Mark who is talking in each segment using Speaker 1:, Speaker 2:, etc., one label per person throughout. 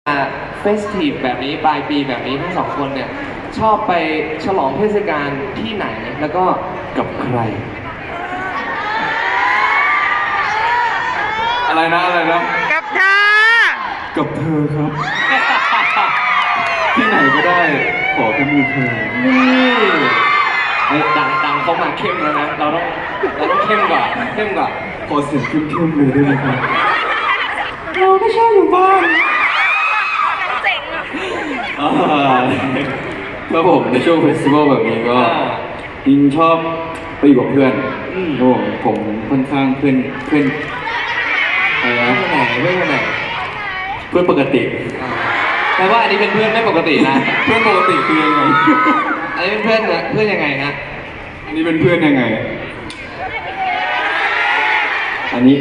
Speaker 1: เฟสทีฟแบบนี้ปลายปีแบบนี้ทั้งสองคนเนี่ยชอบไปฉลองเทศกาลที่ไหนแล้วก็กับใคร
Speaker 2: อะไรนะ
Speaker 3: กับเธอ
Speaker 2: กับเธอครับ ที่ไหนก็ได้ขอแค่มีเธอ
Speaker 1: นี่เฮ้ยดังเขามาเข้มแล้วนะเราต้องเข้มกว่า
Speaker 2: ขอเสียงเข้มๆเลยได้ไหมครับ
Speaker 1: เราไม่ชอบอยู่บ้าน
Speaker 3: เจ๋งอ่ะ
Speaker 2: แล้วผมในช่วงเฟสติวัลแบบนี้ก็ยิงชอบไปอยู่กับเพื่อนผมค่อนข้างเพื่อนอะไรนะ
Speaker 1: เพื่อนไหน
Speaker 2: เพื่อนปกติ
Speaker 1: แปลว่าอันนี้เป็นเพื่อนไม่ปกตินะ
Speaker 2: เพื่อนปกติคือยังไง
Speaker 1: อันนี้เป็นเพื่อนยังไงฮะ
Speaker 2: อันนี้เป็นเพื่อนยังไงอันนี้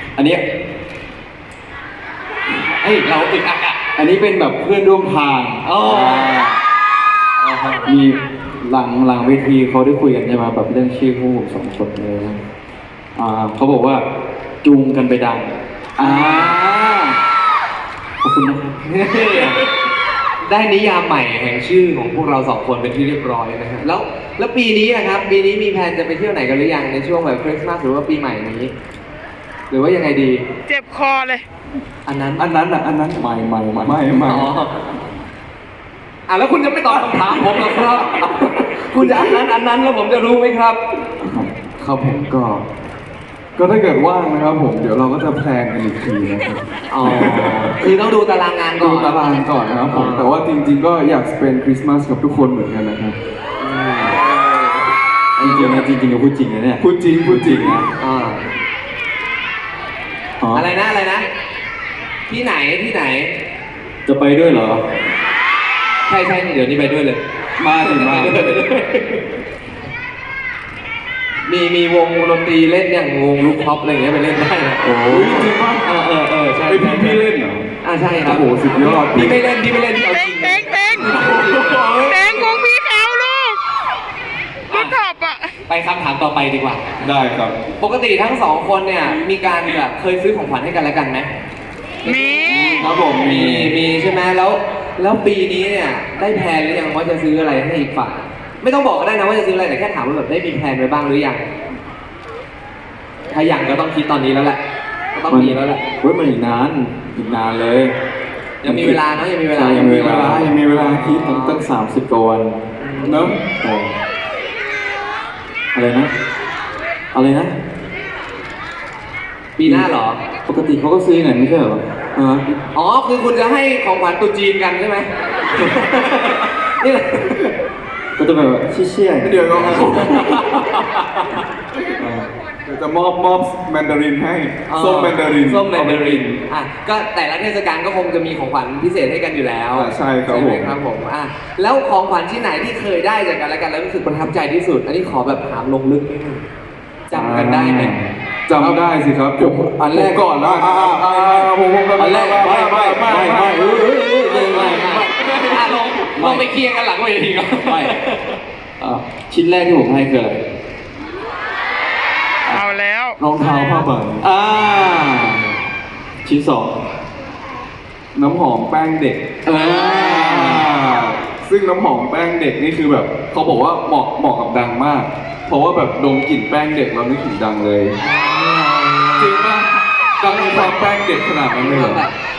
Speaker 1: เอ้ยเราอึดอัดอ่ะ
Speaker 2: อันนี้เป็นแบบเพื่อนร่วมทางมีหลังเวทีเขาได้คุยกันใช่ไหมแบบเรื่องชื่อคู่สองคนเลยเขาบอกว่าจูงกันไปดังขอบคุณนะครับ
Speaker 1: ได้นิยามใหม่แห่งชื่อของพวกเราสองคนเป็นที่เรียบร้อยนะฮะแล้วปีนี้นะครับปีนี้มีแผนจะไปเที่ยวไหนกันหรือยังในช่วงแบบคริสต์มาสหรือว่าปีใหม่นี้หรือว่ายังไงดี
Speaker 3: เจ็บคอเลย
Speaker 1: อันนั้น
Speaker 2: ไม่
Speaker 1: แล้วคุณจะไม่ตอบคำถามผมหรอครับ คุณจะอันนั้นแล้วผมจะรู้ไหมครับ
Speaker 2: ครับผมก็ถ้าเกิดว่างนะครับผมเดี๋ยวเราก็จะแพลนกันอีกทีนะครับ
Speaker 1: คือต้องดูตารางงานก่อน
Speaker 2: นะครับผมแต่ว่าจริงๆก็อยากสเปนคริสต์มาสกับทุกคนเหมือนกันนะครับจริงๆก็พูดจริงนะเนี่ยพูดจริงนะ
Speaker 1: อะไรนะที่ไหน
Speaker 2: จะไปด้วยเหรอ
Speaker 1: ใช่เดี๋ยวนี้ไปด้วยเลย
Speaker 2: มา
Speaker 1: มีวงดนตรีเล่นอย่างวงลูกท็อปอะไรอย่างเงี้ยไปเล่นได้นะ
Speaker 2: โอ้ยจริงป่ะ
Speaker 1: ใช่
Speaker 2: พี่เล่นเหรอ
Speaker 1: ใช่ครับ
Speaker 2: โอ้โหสุดยอด
Speaker 1: พี่ไม่เล่นเอาจริง
Speaker 3: เต็งของพี่เขาลูกท็อปอ่ะ
Speaker 1: ไปคำถามต่อไปดีกว่า
Speaker 2: ได้ครับ
Speaker 1: ปกติทั้งสองคนเนี่ยมีการแบบเคยซื้อของขวัญให้กันและกันไหม
Speaker 3: มี
Speaker 1: ครับผมมีใช่ไหมแล้วปีนี้เนี่ยได้แพลนหรือยังว่าจะซื้ออะไรให้อีกฝ่ายไม่ต้องบอกก็ได้นะว่าจะซื้ออะไรแต่แค่ถามว่าแบบได้มีแพลนไว้บ้างหรือยังถ้ายังก็ต้องคิดตอนนี้แล้วแหละก็ต้องมีแล้วแหละ
Speaker 2: มันอีกนานเลย
Speaker 1: ยังมีเวลาเนาะยังมีเวลา
Speaker 2: คิดตั้ง30 กว่าวันเนอะอะไรนะ
Speaker 1: ปีหน้าเหรอ
Speaker 2: ปกติเขาก็ซื้อไงไม่ใช่เหรอ
Speaker 1: อ๋อคือคุณจะให้ของขวัญตุ๊จีนกันใช่ไหมนี่แหละ
Speaker 2: ก็จะแบบเชี่ยเดี๋ยวจะมอบแมนดารินให้ส้มแมนดาริน
Speaker 1: ก็แต่ละเทศกาลก็คงจะมีของขวัญพิเศษให้กันอยู่แล้ว
Speaker 2: ใช่ครับ
Speaker 1: ผมแล้วของขวัญที่ไหนที่เคยได้จากกันและกันแล้วรู้สึกประทับใจที่สุดอันนี้ขอแบบถามลงลึกนิดนึงจำกันได้ไหม
Speaker 2: จำได้สิครับอันแรกก่อนนะ
Speaker 1: อันแรกไม่ลงไปเคลียร์กันหลังเวทีก่อน
Speaker 2: ไม่ชิ้นแรกที่ผมให้คืออะไร
Speaker 3: เอาแล้ว
Speaker 2: รองเท้าผ้าใบชิ้น2น้ำหอมแป้งเด็กซึ่งน้ำหอมแป้งเด็กนี่คือแบบเขาบอกว่าเหมาะกับดังมากเพราะว่าแบบดมกลิ่นแป้งเด็กเรานึกถึงดังเลยจริงป่ะดังมีความแป้งเด็กขนาดนั้นเลยเหรอ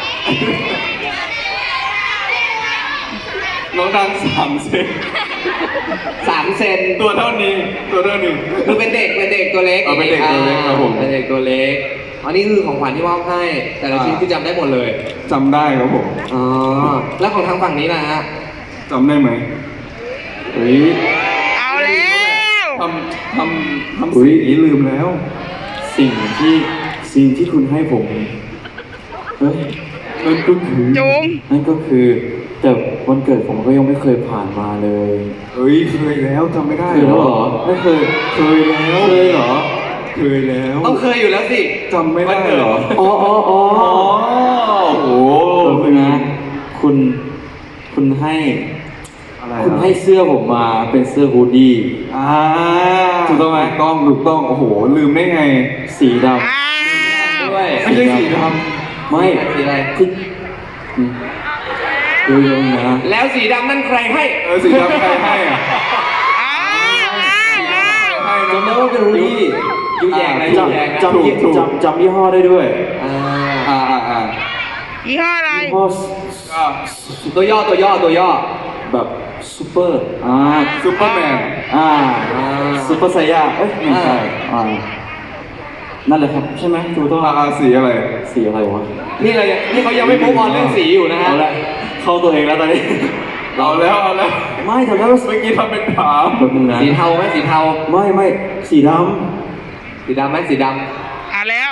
Speaker 2: น้องดัง3 เซน
Speaker 1: 3 เซน
Speaker 2: ตัวเท่านี้
Speaker 1: คือเป็นเด็กตัวเล็ก
Speaker 2: เป็นเด็กตัวเล็กครับผม
Speaker 1: เป็นเด็กตัวเล็กอันนี้คือของขวัญที่มอบให้แต่ละชิ้นคือจำได้หมดเลย
Speaker 2: จำได้ครับผม
Speaker 1: แล้วของทางฝั่งนี้นะฮะ
Speaker 2: จำได้ไหมเฮ้ย
Speaker 3: เอาแล้ว
Speaker 2: ทำสิ่งนี้ลืมแล้วสิ่งที่คุณให้ผมเฮ้ยนั่นก็คือแต่วันเกิดผมก็ยังไม่เคยผ่านมาเลยเคยแล้วจำไม่ได้เหรอไม่เคยแล้วเหรอเคยแล้ว
Speaker 1: ต้องเคยอยู่แล้วสิ
Speaker 2: จำไม่ได้เหรอโอ้โหนะคุณให้เสื้อผมมาเป็นเสื้อฮูดดี้ถูกต้องไหมถูกต้องโอ้โหลืมได้ไงสีดำ
Speaker 1: ด้วย
Speaker 2: ไม่ใช่สีดำไม่
Speaker 1: สีอะไร
Speaker 2: ดูยังนะ
Speaker 1: แล้วสีดำนั่นใครให้
Speaker 4: สีดำใครให้อ่ะ
Speaker 3: อ้าวอ้าวอ้าว
Speaker 4: ให้
Speaker 2: จำได้ว่าเป็นรูดี้
Speaker 1: ยูแยงนะยูแยงนะ
Speaker 2: จำยี่ห้อได้ด้วย
Speaker 1: อ่า
Speaker 4: อ่า
Speaker 3: ยี่ห้ออะไร
Speaker 2: ยี่ห้อ
Speaker 1: ตัวย่อ
Speaker 2: แบบซูเปอร์
Speaker 4: ซูเปอร์แมน
Speaker 2: ซูเปอร์ไซย่าเอ้ยไม่ใช่นั่นแหละครับใช่ไหมถูกต้อง
Speaker 4: สีอะไร
Speaker 2: สีอะไรวะ
Speaker 1: นี่เขายังไม่มุกออนเรื่องสีอยู่นะฮะ
Speaker 2: เอาละเข้าตัวเองแล้วตอนนี้
Speaker 4: เอาแล้ว
Speaker 2: ไม่แต่ว่า
Speaker 4: เมื่อกี้ทำเป็นถาม
Speaker 2: แบบนึงนะ
Speaker 1: สีเทาไหมสีเทา
Speaker 2: ไม่สีด
Speaker 1: สีดำไหมสีด
Speaker 3: แล้ว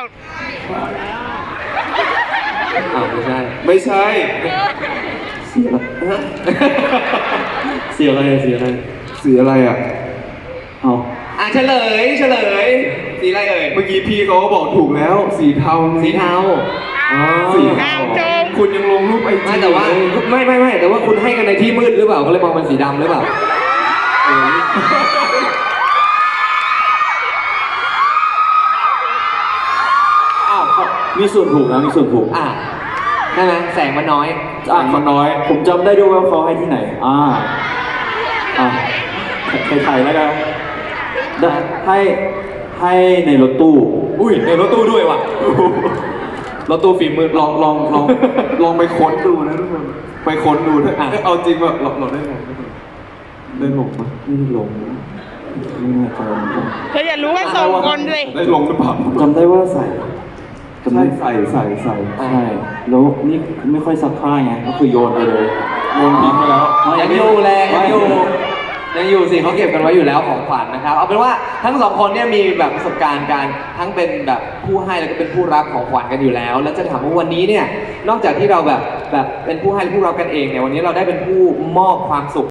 Speaker 1: ำอ้าวไม่ใช่
Speaker 4: ไม่ใช่
Speaker 2: ำสีอะไรสีอะไร
Speaker 4: สีอะไรอ่ะ
Speaker 2: เอา
Speaker 1: อ่ะเฉลยสีอะไรเอ่ย
Speaker 4: เมื่อกี้พี่เขาก็บอกถูกแล้ว สีเทา
Speaker 1: สีเทา
Speaker 4: สีเทาคุณยังลงรูปไอจี
Speaker 1: ไม่แต่ว่าไม่แต่ว่าคุณให้กันในที่มืดหรือเปล่าก็เลยมองเป็นสีดำหรือเปล่า
Speaker 2: มีส่วนถูกนะมีส่วนถูก
Speaker 1: ใช่ไหมแสงมันน้อย
Speaker 4: คนน้อย
Speaker 2: ผมจำได้ด้วยว่าเขาให้ที่ไหนไทยแล้วกันให้ในรถตู้
Speaker 1: อุ้ยในรถตู้ด้วยว่ะรถตู้ฟิล์มมืด
Speaker 4: ลองไปค้นดูนะทุกคนไปค้นดูถ้าเอาจริงว่าเราได้ลงได้ลงปะ
Speaker 2: ไม่ได้ลงไม่แน่ใจเหมือนกัน
Speaker 3: เธออย่ารู้ว่าส่งคนสิ
Speaker 4: ได้ลงหรือเปล่า
Speaker 2: จำได้ว่าใส่จำได้
Speaker 4: ใส่
Speaker 2: ใช่แล้วนี่ไม่ค่อยซักผ้าไงก็คือโยนไปเลย
Speaker 4: โยนทิ้งไปแล้ว
Speaker 1: ยังอยู่แหละยังอยู่สิเขาเก็บกันไว้อยู่แล้วของขวัญนะครับเอาเป็นว่าทั้งสองคนเนี่ยมีแบบประสบการณ์การทั้งเป็นแบบผู้ให้แล้วก็เป็นผู้รับของขวัญกันอยู่แล้ว แล้วจะถามว่าวันนี้เนี่ยนอกจากที่เราแบบเป็นผู้ให้และผู้รับกันเองเนี่ยวันนี้เราได้เป็นผู้มอบความสุข